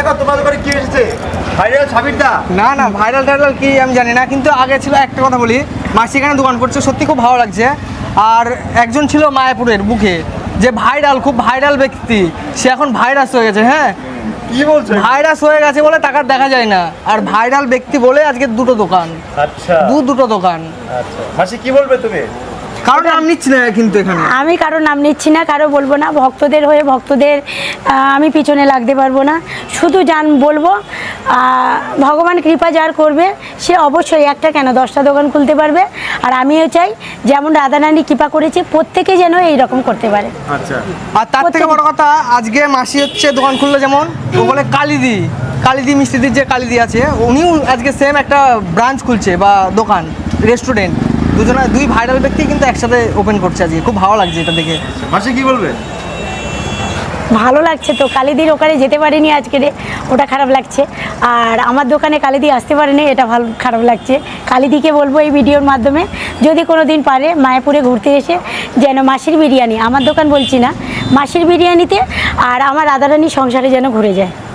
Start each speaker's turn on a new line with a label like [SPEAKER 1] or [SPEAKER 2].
[SPEAKER 1] দেখো তোমাদের ঘরে কি এসেছে, ভাইরাল সাবিরদা।
[SPEAKER 2] না না, ভাইরাল টাইরাল কি আমি জানি না, কিন্তু আগে ছিল একটা কথা বলি, মাসি এখানে দোকান করছে, সত্যি খুব ভালো লাগছে। আর একজন ছিল মায়াপুরের বুকে, যে ভাইরাল, খুব ভাইরাল ব্যক্তি, সে এখন ভাইরাস হয়ে গেছে। হ্যাঁ,
[SPEAKER 1] কি বলছো?
[SPEAKER 2] ভাইরাস হয়ে গেছে বলে টাকার দেখা যায় না, আর ভাইরাল ব্যক্তি বলে আজকে দুটো দোকান।
[SPEAKER 1] আচ্ছা,
[SPEAKER 2] দুটো দোকান।
[SPEAKER 1] আচ্ছা মাসি কি বলবে তুমি?
[SPEAKER 2] কারণ নাম নিচ্ছি না কিন্তু এখানে
[SPEAKER 3] আমি কারো নাম নিচ্ছি না, কারো বলবো না। ভক্তদের হয়ে ভক্তদের আমি পিছনে লাগতে পারবো না। শুধু বলবো ভগবান কৃপা যার করবে সে অবশ্যই একটা কেন 10টা দোকান খুলতে পারবে। আর আমিও চাই যেমন রাধারানী কৃপা করেছে প্রত্যেকে যেন এইরকম করতে পারে।
[SPEAKER 1] আচ্ছা,
[SPEAKER 2] আর তার থেকে বড় কথা, আজকে মাসি হচ্ছে দোকান খুললো, যেমন ও বলে কালিদি মিষ্টিদির যে কালিদি আছে, উনিও আজকে সেম একটা ব্রাঞ্চ খুলছে বা দোকান, রেস্টুরেন্ট। দুই ভাইরাল ব্যক্তি কিন্তু একসাথে ওপেন করছে আজকে, খুব ভালো লাগছে এটা দেখে।
[SPEAKER 1] মাসি কি বলবে?
[SPEAKER 3] ভালো লাগছে তো, কালিদির ওখানে যেতে পারিনি আজকে, ওটা খারাপ লাগছে। আর আমার দোকানে কালিদি আসতে পারেনি, এটা খারাপ লাগছে। কালিদিকে বলবো এই ভিডিওর মাধ্যমে, যদি কোনো দিন পারে মায়াপুরে ঘুরতে এসে যেন মাসির বিরিয়ানি, আমার দোকান বলছি না, মাসির বিরিয়ানিতে আর আমার রাধারানী সংসারে যেন ঘুরে যায়।